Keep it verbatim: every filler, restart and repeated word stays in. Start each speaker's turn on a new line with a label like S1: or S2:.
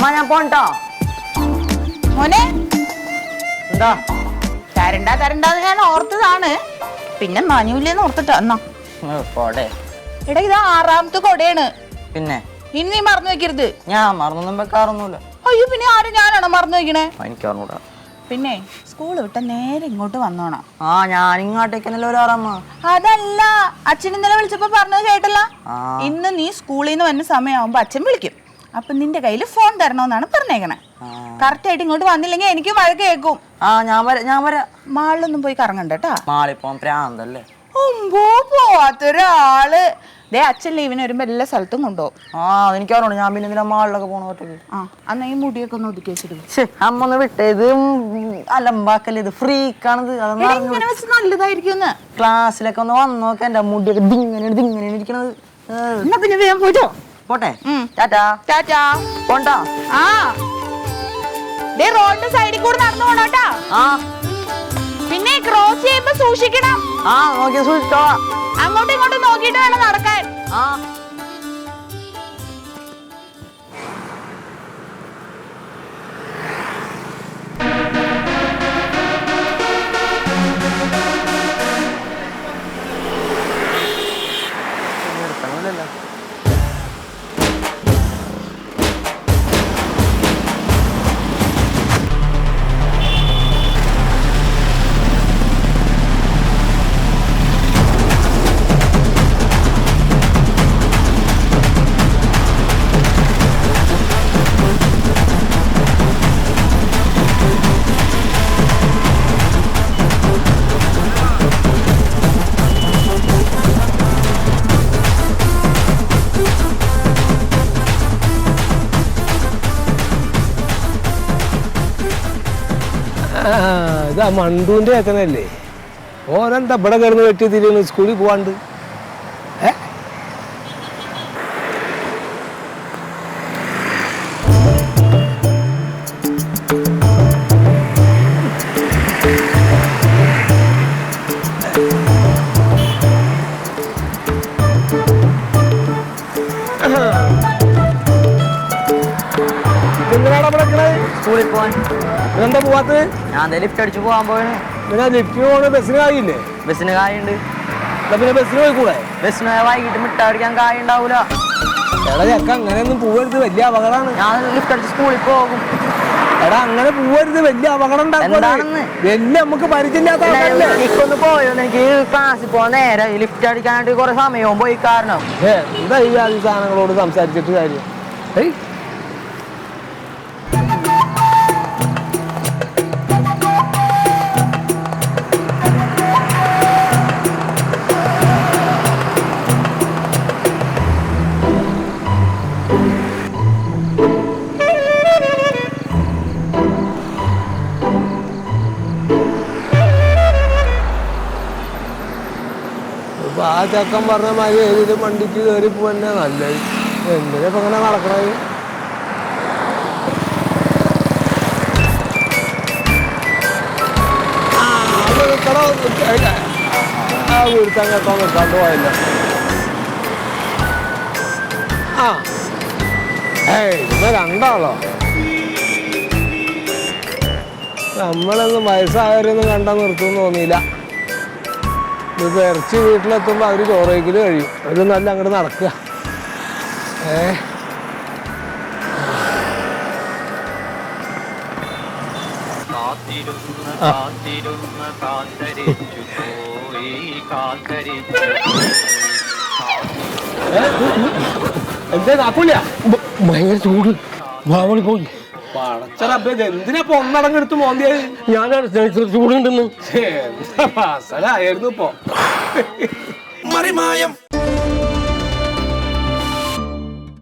S1: അമ്മ ഞാൻ പോണ്ടാ
S2: മോനെ.
S1: എന്താ
S2: തരണ്ട തരണ്ടെന്ന് ഞാൻ ഓർത്തതാണ്, പിന്നെ മാനൂല്യെന്ന് ഓർത്തിട്ടാ. എന്നാ
S1: പോടെ.
S2: എടാ ഇത് ആറാമത്തെ കൊടയാണ്.
S1: പിന്നെ
S2: ഇനി നീ മറന്നു വെക്കരുത്.
S1: ഞാൻ മറന്നൊന്നും വെക്കാറൊന്നുമില്ല.
S2: അയ്യോ പിന്നെ ആരും ഞാനാണോ മറന്നു വെക്കണേ?
S1: എനിക്ക് അറിഞ്ഞൂടാ.
S2: പിന്നെ സ്കൂൾ വിട്ട നേരെ ഇങ്ങോട്ട് വന്നോണം.
S1: ആ ഞാൻ ഇങ്ങോട്ടേക്കല്ലോ ഒരാറമ്മ.
S2: അതല്ല, അച്ഛൻ ഇന്നലെ വിളിച്ചപ്പോ പറഞ്ഞത് കേട്ടല്ല. ഇന്ന് നീ സ്കൂളിൽ നിന്ന് വന്ന സമയമാകുമ്പോ അച്ഛൻ വിളിക്കും. അപ്പൊ നിന്റെ കയ്യിൽ ഫോൺ തരണമെന്നാണ് പറഞ്ഞേക്കണേ. കറക്റ്റ് ആയിട്ട് ഇങ്ങോട്ട് വന്നില്ലെങ്കിൽ എനിക്ക് മഴ കേൾക്കും.
S1: ആ ഞാൻ വരാം ഞാൻ വരാം.
S2: മാളിലൊന്നും പോയി കറങ്ങണ്ടട്ടാ.
S1: മാളിപ്പോ പ്രാന്തല്ലേ.
S2: ഒമ്പോ പോവാത്തൊരാള്. ദേ അച്ഛൻ ലീവിന് വരുമ്പോ എല്ലാ സ്ഥലത്തും കൊണ്ടുപോകും.
S1: ആ എനിക്ക് അറിയണം. ഞാൻ പിന്നെ എന്തിനാ മാളിലൊക്കെ പോണ ഒറ്റയ്ക്ക്?
S2: ആ അന്ന് ഈ മുടിയൊക്കെ ഒന്ന് ഒതുക്കി വെച്ചിട്ട്
S1: അമ്മ ഒന്ന് വിട്ടേ. ഇത് അലമ്പാക്കല്ലേ, ഇത് ഫ്രീക്കാണിത്.
S2: നല്ലതായിരിക്കും.
S1: ക്ലാസ്സിലൊക്കെ ഒന്ന് വന്ന് നോക്കാം. എന്റെ മുടിയൊക്കെ ദിങ്ങനെ ദിങ്ങനെ ഇരിക്കണത്.
S2: എന്നാ പിന്നെ വേഗം പോയിട്ടോ.
S1: പോട്ടെ. ടാറ്റാ
S2: ടാറ്റാ.
S1: പോണ്ടാ.
S2: ആ ദേ റോഡിന്റെ സൈഡിൽ കൂടെ നടന്നു പോണോട്ടാ.
S1: ആ
S2: പിന്നെ ക്രോസ് ചെയ്യുമ്പോ സൂക്ഷിക്കണം.
S1: ആ നോക്കി സൂക്ഷിച്ചോ.
S2: അങ്ങോട്ടും ഇങ്ങോട്ടും നോക്കിയിട്ട് വേണം നടക്കാൻ.
S1: ആ
S3: ഇതാ മണ്ടൂന്റെ ഏക്കനല്ലേ? ഓനെന്താ ഇവിടെ കിടന്ന് വെട്ടി തിരിയുന്നു സ്കൂളിൽ പോവാണ്ട്? ഏ എന്തിനാടാ ഇവിടെ
S1: സ്കൂളിൽ പോവാൻ.
S3: എന്താ പോവാത്തത്?
S1: ഞാൻ ലിഫ്റ്റ് അടിച്ചു പോകാൻ പോയാണ്.
S3: പിന്നെ ലിഫ്റ്റിന് പോണ ബസ്സിന് കായില്ലേ?
S1: ബസ്സിന് കായുണ്ട്.
S3: പിന്നെ ബസ്സിന് പോയിക്കൂടെ?
S1: ബസ്സിന് വൈകിട്ട് മിഠായി അടിക്കാൻ കായ ഉണ്ടാവൂല.
S3: എടാ ചക്ക അങ്ങനെയൊന്നും പോവരുത്, വലിയ അപകടമാണ്.
S1: ഞാൻ ലിഫ്റ്റ് അടിച്ച് സ്കൂളിൽ പോകും.
S3: എടാ അങ്ങനെ പോവരുത്, വലിയ അപകടം ഉണ്ടാക്കും. വലിയ നമുക്ക് പരിചയമില്ലാത്ത
S1: എനിക്കൊന്ന് പോയോ, എനിക്ക് ക്ലാസ്സിൽ പോകാൻ നേരെ ലിഫ്റ്റ് അടിക്കാനായിട്ട് കുറെ സമയവും പോയി. കാരണം
S3: എന്താ ഈ ആദ്യ സാധനങ്ങളോട് സംസാരിച്ചിട്ട് കാര്യം? ഏയ് ആ ചക്കൻ പറഞ്ഞ മാതിരി ഏതിലും വണ്ടിക്ക് കയറി പോവന്നെ നല്ലത്. എന്തിനാ ഇപ്പൊ ഇങ്ങനെ നടക്കണത്? ആ വീഴ്ത്താൻ കേട്ടോ നിർത്താണ്ട് പോയല്ലോ. ആ ഏയ് ഇപ്പൊ രണ്ടാളോ? നമ്മളൊന്നും വയസ്സായവരൊന്നും കണ്ടാൽ നിർത്തുമെന്ന് തോന്നിയില്ല. ഇപ്പൊ ഇറച്ചി വീട്ടിലെത്തുമ്പോ അവര് ചോറ് കഴിക്കല് കഴിയും. അത് നല്ല അങ്ങോട്ട് നടക്കുക. ഏ എന്താ കാക്കൂല? ഭയങ്കര ചൂട്. വാവളി പോയി. എന്തിനാ ഒന്നടങ്ങെടുത്ത് മോന്തിയത്? ഞാനാണ് ചൂടുണ്ടെന്ന്. എന്താ പാസലായിരുന്നു ഇപ്പൊ. മറിമായം